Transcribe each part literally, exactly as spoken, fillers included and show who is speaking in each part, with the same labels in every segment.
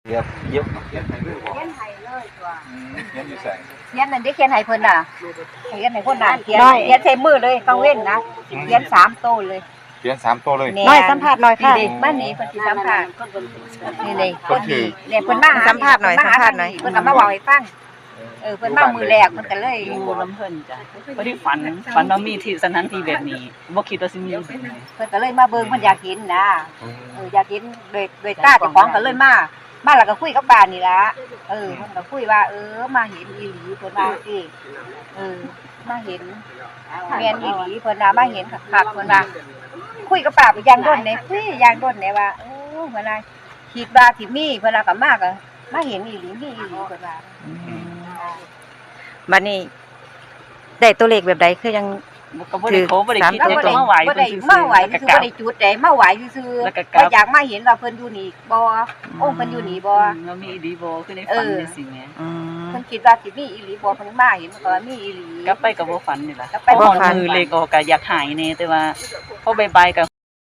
Speaker 1: เรียบเย็บเขียนให้เลยบ่
Speaker 2: เขียนให้เลยตัว
Speaker 1: เขียนอยู่ใส่
Speaker 2: เขียนนั่นได้เขียนให้เพิ่นน่ะเขียนให้คนน่ะเขียนเขียนใส่มือเลยต้องเว้นนะเขียนสามโตเลย
Speaker 1: เขียนสามตัวเลย
Speaker 3: น้อยสัมภาษณ์หน่อยค่ะ
Speaker 2: นี่มานี่เพิ่นสิสัมภาษณ์นี่ๆคนดีเนี่ยเพิ่นมา
Speaker 3: สัมภาษณ์หน่อยสัมภาษณ์หน่อย
Speaker 2: เพิ่นก็มาเว้าให้ฟังเออเพิ่นมามือแรกเพิ่นก็เลย
Speaker 4: อยู่ลำเพิ่นจ้ะบ่ได้ฝันฝันว่ามีที่สถานที่แบบนี้บ่คิดว่าสิมีแบบนี้
Speaker 2: เพิ่นก็เลยมาเบิ่งเพิ่นอยากเห็นนะเอออยากเห็นโดยโดยตาเจ้าของก็เลยมามาแล้วก็คุยกับป้านี่ล่ะเออเพิ่นก็คุยว่าเออมาเห็นอีหลีเพิ่นว่าสิเออมาเห็นแม่นอีหลีเพิ่นว่ามาเห็นคักๆเพิ่นว่าคุยกับป้าไปอย่างโดนเนี่ยคุยอย่างโดนเนี่ยว่าโอ้เพิ่นว่าคิดว่าสิมีเพิ่นว่าก็มาก็มาเห็นอีหลีมีอีหลีเพิ่นว่า
Speaker 3: บัดนี้ได้ตัวเลขแบบใดคือยัง
Speaker 4: ก็บ่ได้ขอบ่ได้คิด
Speaker 2: ก็บ่ได้
Speaker 4: มาไหว้
Speaker 2: บ่
Speaker 4: เพิ่น
Speaker 2: ได้
Speaker 4: ซื่อๆ
Speaker 2: มาไหวคือบ่ได้จุดได้มาไหวซื่อๆก็อยากมาเห็นว่าเพิ่นอยู่นี่บ่องค์เพิ่นอยู่นี่บ่
Speaker 4: ว่ามีอีหลีบ่คือในฝันจังซี่แหม
Speaker 3: อืม
Speaker 2: เพิ่นคิดว่าสิมีอีหลีบ่เพิ่นมาเห็นก็ว่ามีอีหลี
Speaker 4: กลับไปก็บ่ฝันนี่ล่ะ
Speaker 2: กลับ
Speaker 4: ไป
Speaker 2: ไป
Speaker 4: บ่
Speaker 2: บ่ฝัน
Speaker 4: มือเลขออกก็อยากหายแน่แต่ว่าพอบ่ายๆก็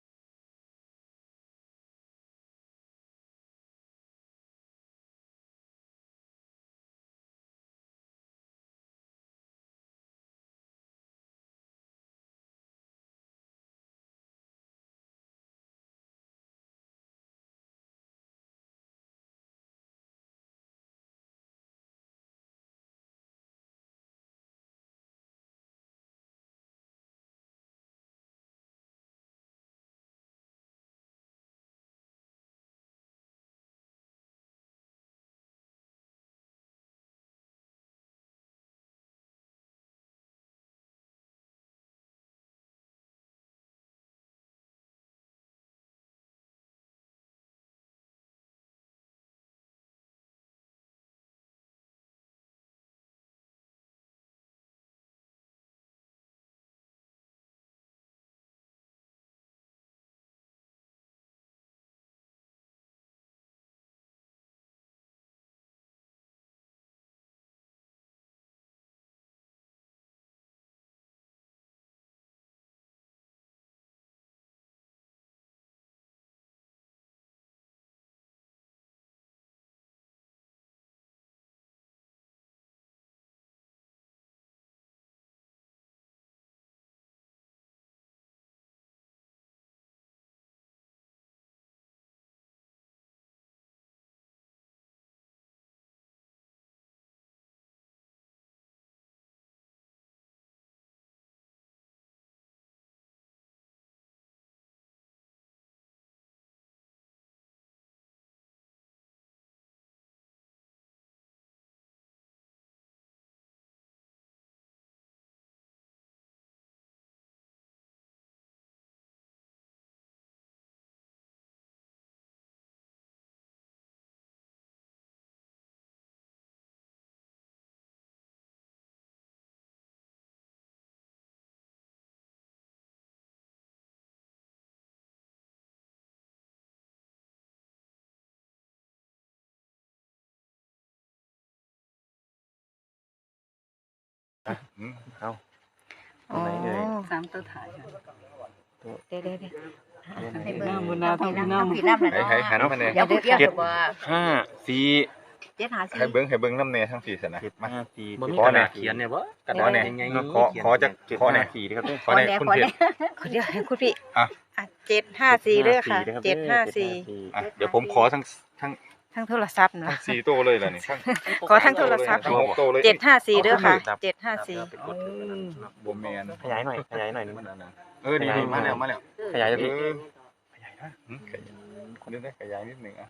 Speaker 1: อืมเอา
Speaker 3: อ๋อ
Speaker 4: สามตัวถ่ายค่ะ
Speaker 3: เดี๋ยวๆ
Speaker 2: ให้เบิ่ง
Speaker 4: บุญนาทางบุญนา
Speaker 2: ผีน้ำ
Speaker 1: ให้ให้หันมาแน่
Speaker 2: อย่าพูดเยอะบ่
Speaker 1: ห้าสี่ให้เบิ่งให้เบิ่งน้ำแน่ทั้งสี่ซั่นนะมา
Speaker 5: ห้าสี่
Speaker 1: บ่มี
Speaker 5: ขอก
Speaker 1: ระ
Speaker 5: ระ
Speaker 1: ดา
Speaker 5: ดา
Speaker 1: ษ
Speaker 5: ษ
Speaker 1: เขี
Speaker 5: เขี
Speaker 1: ย
Speaker 5: ย
Speaker 1: น
Speaker 5: น
Speaker 1: เนี่
Speaker 5: เนี่ย ย
Speaker 1: บ่
Speaker 5: บ่
Speaker 1: ขอแน่
Speaker 5: เขียน
Speaker 1: ขอขอจากขอแน่
Speaker 5: สี่นะครับ
Speaker 1: ขอแน่คุณเพชร
Speaker 3: ขอเดี๋ยวให้คุณพี่
Speaker 1: อ่ะ
Speaker 3: อ่ะเจ็ดห้าสี่เด้อค่ะเจ็ดห้าสี่
Speaker 1: อ่ะเดี๋ยวผมขอทั้งทั้ง
Speaker 3: ทั้งโทรศัพท์
Speaker 1: ทั้
Speaker 3: นะ
Speaker 1: งสี่ตัวเลยล่ะนี่ทั้ง
Speaker 3: ขอทั้งโทรศัพท์
Speaker 1: ทั้งหกตัวเลย
Speaker 3: เจ็ดห้าสี่เด้อค่ะเจ็ดห้าสี่
Speaker 1: บ่แม่น
Speaker 5: ขยายหน่อย ขยายหน่อยนึง
Speaker 1: เออนี่นี่มาแล้วมาแล้ว
Speaker 5: ขยาย
Speaker 1: เอ
Speaker 5: จะพี่
Speaker 1: อขยายนะหืมขยายคนนี้ได้ขยายนิดหนึงอ่ะ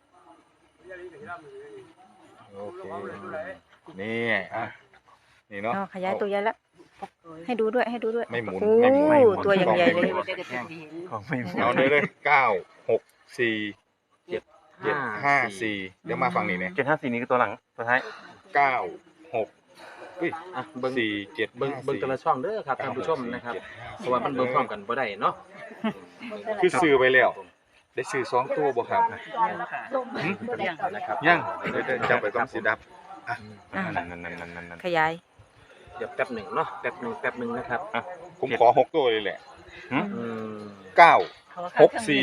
Speaker 1: โอเคนี่อ่ะนี่เนาะ
Speaker 3: อ๋อขยายตัวใหญ่แล้วให้ดูด้วยให้ดูด้วย
Speaker 1: ไม่หมุน
Speaker 3: โอ้
Speaker 1: ไม่หมุนไม่หมุน
Speaker 3: ตัวอย่างใหญ่เลย
Speaker 5: ของไม่
Speaker 1: เอาเลยเลยเก้าหกสี่เจ็ดเจ็ดห้าสี่เดี๋ยวมาฝั่งนี้เนี่ย
Speaker 5: เจ็ดห้าสี่นี่คือตัวหลังตัวท้าย
Speaker 1: เก้าหกอุ้ย
Speaker 6: อ่ะเบิ่ง
Speaker 1: สี่เจ็ด
Speaker 6: เบิ่งเบิ่งแต่ละช่องเด้อครับท่านผู้ชมนะครับเพราะว่ามันเบิ่งพร้อมกันบ่ได้เนาะ
Speaker 1: คือซื้อไปแล้ว ได้ซื้อสองตัวบ่ครับ
Speaker 4: ยังนะครับ
Speaker 1: ยังเดี๋ยวจับไปต้องสีดับอ่ะ
Speaker 3: อ่ะ
Speaker 5: นั่นนั่นนั่นนั่นนั่น
Speaker 3: ขยาย
Speaker 6: เดี๋ยวแป๊บหนึ่งเนาะแป๊บหนึ่งแป๊บหนึ่งนะครับ
Speaker 1: ผมขอหกตัวเลยแหละ
Speaker 6: อืม
Speaker 1: เก้าหกสี่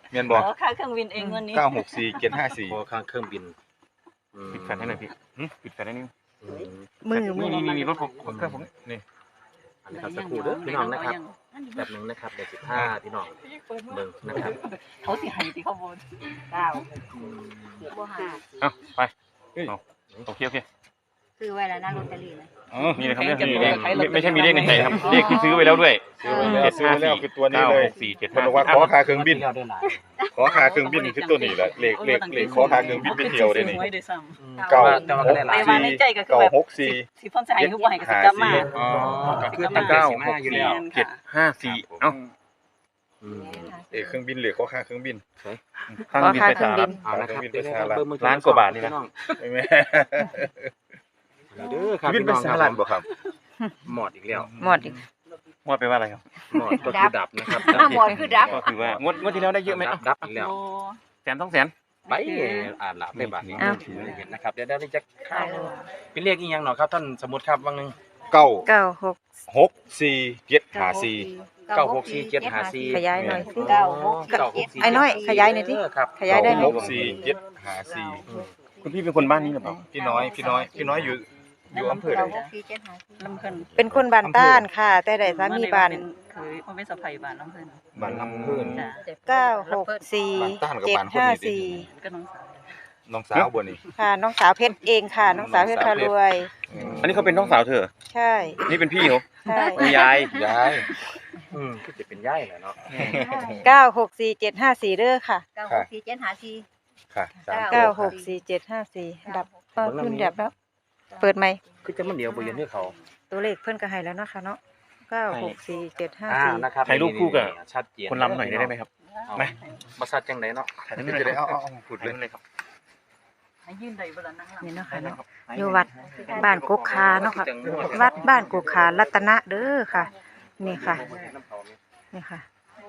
Speaker 1: เมียนบอก
Speaker 4: อ๋อค่าเครื่องบินเองวันนี้
Speaker 1: เก้าหกสี่เจ็ดห้าสี่
Speaker 6: พอข้างเครื่องบินอืม
Speaker 5: ปิดแฟลชให้หน่อยพี่หึปิดแฟลชให้นิดนึง
Speaker 6: อืม
Speaker 3: มือมือ
Speaker 5: นี่นี่นี่รถผมเครื่องผมนี่
Speaker 6: อันนี้ครับสักครู่เด้อพี่น้องนะครับแบบหนึงนะครับเดี๋ยวสิบห้าพี่น้องเบิ่งนะครับ
Speaker 4: เขาสิให้ที่เขาบ่
Speaker 2: เก้า
Speaker 6: อืม
Speaker 2: บ่ห้า
Speaker 5: เอาไปเอาโอเคโอเค
Speaker 2: ซื้อไว้แล้วนะลอตเตอรี่นะ
Speaker 5: อ๋อนี่เลยครับเรื่องมีเลขไม่ไม่ใช่มีเลขในใจครับเลขที่ซื้อไว้แล้วด้วย
Speaker 1: ซื้อไว้แล้วซื้อไว้แล้วคือตัวนี้
Speaker 5: เก้า
Speaker 1: เลย
Speaker 5: หกสี่เจ็ด
Speaker 1: มัน
Speaker 5: ห้า
Speaker 1: บอกว่าขอค่าเครื่องบิน
Speaker 6: ที่เราได้หลาย
Speaker 1: ขอค่าเครื่องบินคือตัวนี้แหละเลขเลขเลขขอค่าเครื่องบินไปเที่ยวได้นี่
Speaker 4: ไว้ด้วยซ้
Speaker 6: อืม
Speaker 1: เก้า
Speaker 6: แต่ว่าก็ได้ห
Speaker 4: ำ
Speaker 6: ลา
Speaker 4: ไป
Speaker 6: ย
Speaker 4: ว่าในใจก็คือ
Speaker 1: เก้า
Speaker 4: แบบ
Speaker 1: หกสี่
Speaker 4: สิพ่นสิให้คือบ่ให้ก็สิกลับมา
Speaker 6: อ๋อก็คือตั้งใจ
Speaker 5: เก้า
Speaker 6: สิ
Speaker 5: ห
Speaker 6: มาก อยู่
Speaker 5: สี่
Speaker 6: แล้ว
Speaker 5: เจ็ดห้าสี่เอ้า
Speaker 6: อืม
Speaker 1: เลขเครื่องบินเลขขอค่าเครื่องบิน
Speaker 5: ข้างบินไปสหรัฐ
Speaker 6: เอาละครับ
Speaker 1: เครื่องบิน
Speaker 6: เดี๋ยว
Speaker 1: ไป
Speaker 6: นะครับ
Speaker 1: สหรัฐ
Speaker 6: เบิ่งมือ
Speaker 5: ล้านกว่าบาทนี่นะ
Speaker 6: พี่อง
Speaker 1: ไม่แม่
Speaker 6: เด้อครับ
Speaker 1: บิน
Speaker 6: พี่
Speaker 1: ไป
Speaker 6: น้อง
Speaker 1: ส
Speaker 6: ค
Speaker 1: ห
Speaker 6: รั
Speaker 1: รับ ฐบ่ครับ
Speaker 6: หมอดอีกแล้ว
Speaker 3: หมดอีก
Speaker 5: งวดไปว่าอะไรครับ
Speaker 6: หมอดก็คือดับนะครับ
Speaker 2: หน้าหมดคือดับ
Speaker 5: ก็คือว่างวดงวดที่แล้วได้เยอะไหม
Speaker 6: ดั
Speaker 5: เอ้า
Speaker 6: บดับอีกแล้ว
Speaker 4: โอ้
Speaker 5: แสนสองแสน
Speaker 6: ไปอ่านหลับได้บัตรนี้
Speaker 3: อ้าว
Speaker 6: ถือเห็นนะครับเดี๋ยวได้จะข้าวเป็นเลขอีกอย่างหน่อยครับท่านสมมุติครับว่างหนึง
Speaker 1: เก้า
Speaker 3: เก้าหก
Speaker 1: หกสี่เจ็ดห้าสี่
Speaker 6: เก้าหกสี่เจ็ดห้าสี่
Speaker 3: ขยายหน่อยสิ
Speaker 2: เก้าหก
Speaker 6: เก้าหกสี่
Speaker 3: ไอ้น้อยขยายหน่อยสิ
Speaker 6: เครับ
Speaker 3: ขยายได้ไหม
Speaker 1: หกสี่เจ็ดห้าสี่
Speaker 5: คุณพี่เป็นคนบ้านนี้หรือเปล่า
Speaker 1: พี่น้อยพี่น้อยพี่น้อยอยู่อยู่อำเภอใด
Speaker 2: เก้าหกสี่เจ็ดห้าสี่
Speaker 4: ลำเพิ่น
Speaker 3: เป็นคนบ้านต้านค่ะ แต่ได้สามีบ้าน
Speaker 4: เคยมันเป็นสะใภ้บ้านลำเพิ่น
Speaker 1: บ้านลำเพิ่น
Speaker 4: จ้ะ
Speaker 3: เก้าหกสี่เจ็ดห้าสี่
Speaker 4: ก็น้องสาว
Speaker 1: น้องสาวบ่นี่
Speaker 3: ค่ะน้องสาวเพชรเองค่ะ น้องสาวเพชรพารวย
Speaker 5: อันนี้เขาเป็นน้องสาวเธอ
Speaker 3: ใช่
Speaker 5: นี่เป็นพี่เขา
Speaker 3: ใช่
Speaker 5: เป็นยาย
Speaker 1: ยาย
Speaker 6: อืมคือจะเป็นย่ายแหละเนาะ
Speaker 3: เก้าหกสี่เจ็ดห้าสี่เด้อค่ะ
Speaker 2: เก้าหกสี่เจ็ดห้าสี่
Speaker 1: ค่ะสาม
Speaker 3: เก้าหกสี่เจ็ดห้าสี่ดับเออขึ้นดับแล้ว เปิดไหมค์
Speaker 6: คือจะมันเดียวบ่เย็นให้เขา
Speaker 3: ตัวเลขเพิ่นก็ให้แล้วเนาะค่ะเนาะเก้าหกสี่เจ็ดห้า
Speaker 6: อ่า
Speaker 3: สี่
Speaker 6: นะครับ
Speaker 5: ถ่ายรูปคู่กับ
Speaker 6: ชัดเจน
Speaker 5: คนลำหน่อยได้ไหมครับ ไหม
Speaker 6: มาชัดจังไดเนาะ
Speaker 5: ถ่ายรูป
Speaker 1: จะ
Speaker 5: หน่อย
Speaker 1: ได้
Speaker 5: ครั
Speaker 1: เอา
Speaker 5: บ
Speaker 1: เอาเอาพูด
Speaker 5: ถ่าย
Speaker 1: เลย
Speaker 5: รูปเลยครับ
Speaker 4: ให้ยืนได้บ่ล่ะนั่งหลัง
Speaker 3: นี่เนาะค่ะเนาะอยู่วัดบ้านกกคาเนาะค่ะวัดบ้านกกคารัตนะเด้อค่ะ นี่ค่ะ นี่ค่ะ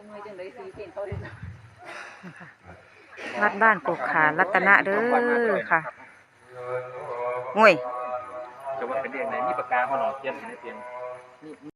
Speaker 3: นี่ค่ะ วัดบ้านกกขารัตนะเด้อค่ะงวย
Speaker 6: จะว่าเป็นเรื่องไหนมีปากกาบ่เนาะเขียนให้ในเตียง